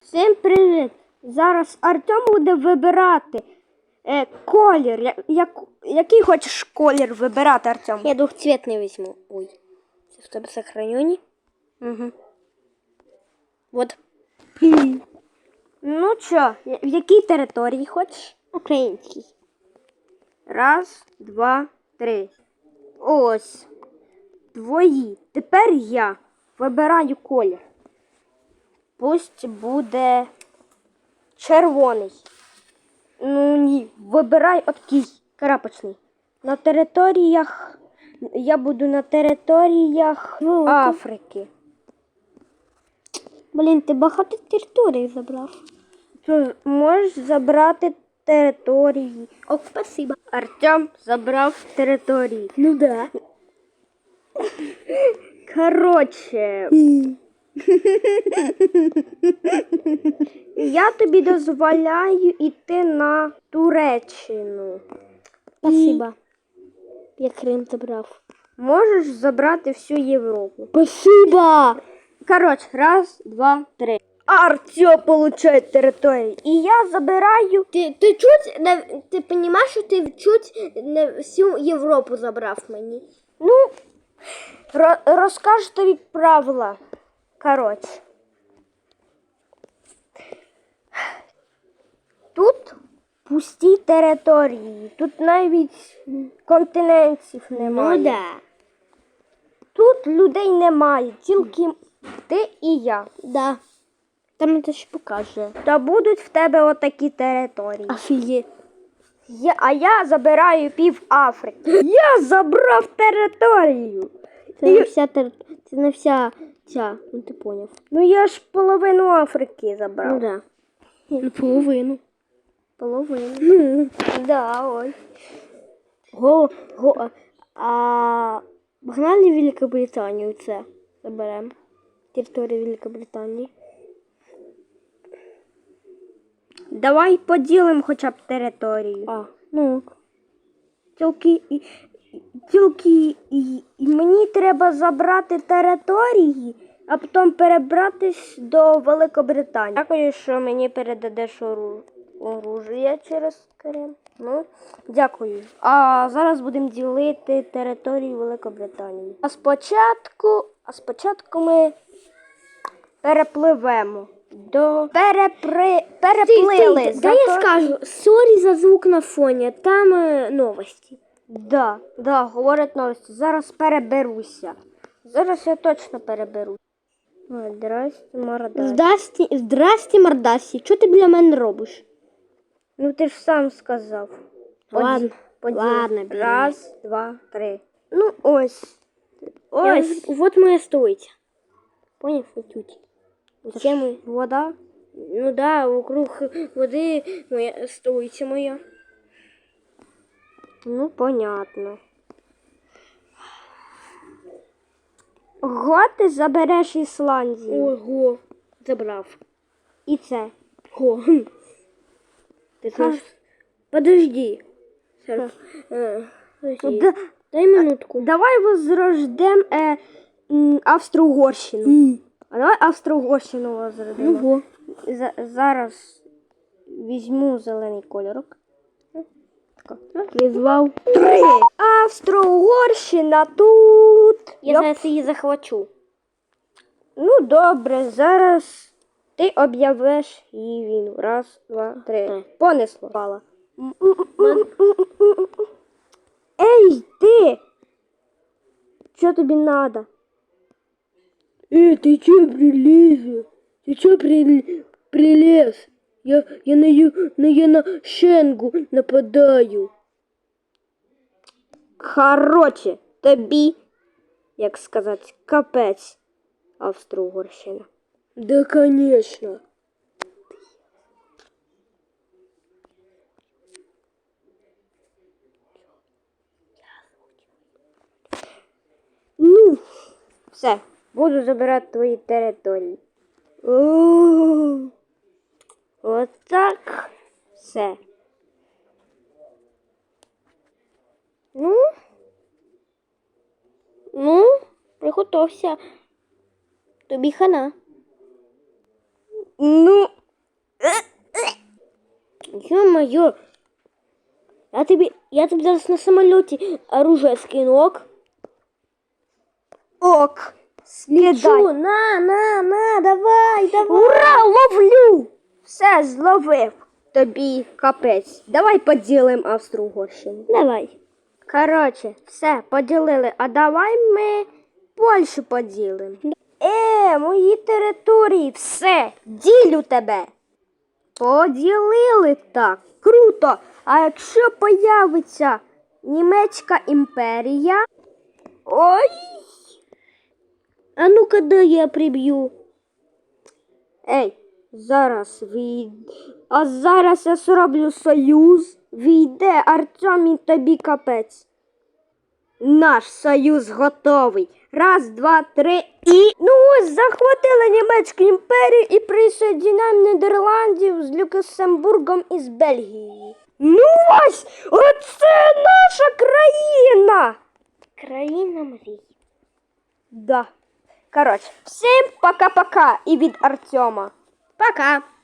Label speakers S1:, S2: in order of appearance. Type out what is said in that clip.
S1: Всім привіт! Зараз Артем буде вибирати колір. Який хочеш колір вибирати, Артем?
S2: Я двухцветный возьму. Ой, в тебе сохранение.
S1: Угу.
S2: Вот.
S1: Ну що, в якій території хочеш?
S2: Украинский.
S1: Раз, два, три. Ось. Твої. Тепер я вибираю колір. Пусть буде червоний. Ну ні, вибирай такий крапочний. На територіях, я буду на територіях Африки.
S2: Блін, ти багато територій забрав.
S1: То можеш забрати території.
S2: О, спасибо.
S1: Артем забрав території.
S2: Ну да.
S1: Коротше, я тобі дозволяю йти на Туреччину.
S2: Спасибо. Я Крим забрав.
S1: Можеш забрати всю Європу.
S2: Спасибо.
S1: Коротше, раз, два, три. Артем получає територію. І я забираю.
S2: Ти чуть, ти розумієш, що ти чуть не всю Європу забрав мені?
S1: Ну, розкажу тобі правила. Коротше. Тут пусті території. Тут навіть континентів немає.
S2: Ну да.
S1: Тут людей немає, тільки ти і я.
S2: Да. Там це ще покаже.
S1: Та будуть в тебе отакі території.
S2: Офігеть.
S1: А я забираю пів Африки. Я забрав територію.
S2: Це не вся ця, ну ти поняв.
S1: Ну я ж половину Африки забрав.
S2: Ну да. Ну, половину.
S1: Половину. Да, ой.
S2: Погнали в Великобританію це заберемо. Територію Великобританії.
S1: Давай поділимо хоча б територію.
S2: Ну.
S1: Тільки мені треба забрати території, а потім перебратись до Великобританії. Дякую, що мені передадеш оружие через Крим. Ну, дякую. А зараз будемо ділити територію Великобританії. А спочатку ми перепливемо. Переплили.
S2: Дай я скажу, сорі за звук на фоні, там новості.
S1: Да, говорять новості. Зараз переберуся. Зараз я точно переберуся. Здрасте, мордасі.
S2: Здрасте, мордасі. Що ти біля мене робиш?
S1: Ну ти ж сам сказав.
S2: Ладно,
S1: Поділ. Раз, два, три. Ну ось.
S2: Вот моя стойка. Поняв? Отут.
S1: Це ми вода.
S2: Ну да, вокруг води моя стойка моя.
S1: Ну, понятно. Ого, ти забереш Ісландію.
S2: Ого, забрав.
S1: І це.
S2: Го. Ти знаєш? Подожди. Дай минутку.
S1: Давай возрождем Австро-Угорщину. А давай Австро-Угорщину возродимо.
S2: Ого.
S1: Зараз візьму зелений кольорок.
S2: Визвав.
S1: 3. Австро-Угорщина тут.
S2: Я зараз її захвачу.
S1: Ну, добре, зараз ти об'явиш її війну. Раз, два, три. Понесло. Пала. Ей, ти! Що тобі надо?
S2: Ты чё прилез? Ты чё прилез? Я на Шенгу нападаю.
S1: Короче, тобі, як сказати, капець, Австро-Угорщина.
S2: Да, конечно.
S1: Ну, все, буду забирати твої території. Отак все.
S2: Ну, приготовься. Тобі хана.
S1: Ну,
S2: Ё-моё. Я тобі зараз на самоліті оружие скину, ок?
S1: Ок. Скидай.
S2: Чу, на, давай.
S1: Ура, ловлю! Все, зловив. Тобі капець. Давай поділимо Австро-Угорщину.
S2: Давай.
S1: Коротше, все, поділили. А давай ми Польщу поділимо. Мої території, все, ділю тебе. Поділили так. Круто. А якщо появиться Німецька імперія? Ой!
S2: А ну-ка, дай я приб'ю.
S1: Зараз я зроблю союз. Війде, Артем, і тобі капець. Наш союз готовий. Раз, два, три і... Ну ось, захватили Німецьку імперію і присоединяємо Нідерландів з Люксембургом і з Бельгією. Ну ось, оце наша країна!
S2: Країна мрій.
S1: Да. Коротше, всім пока-пока і від Артема.
S2: Пока.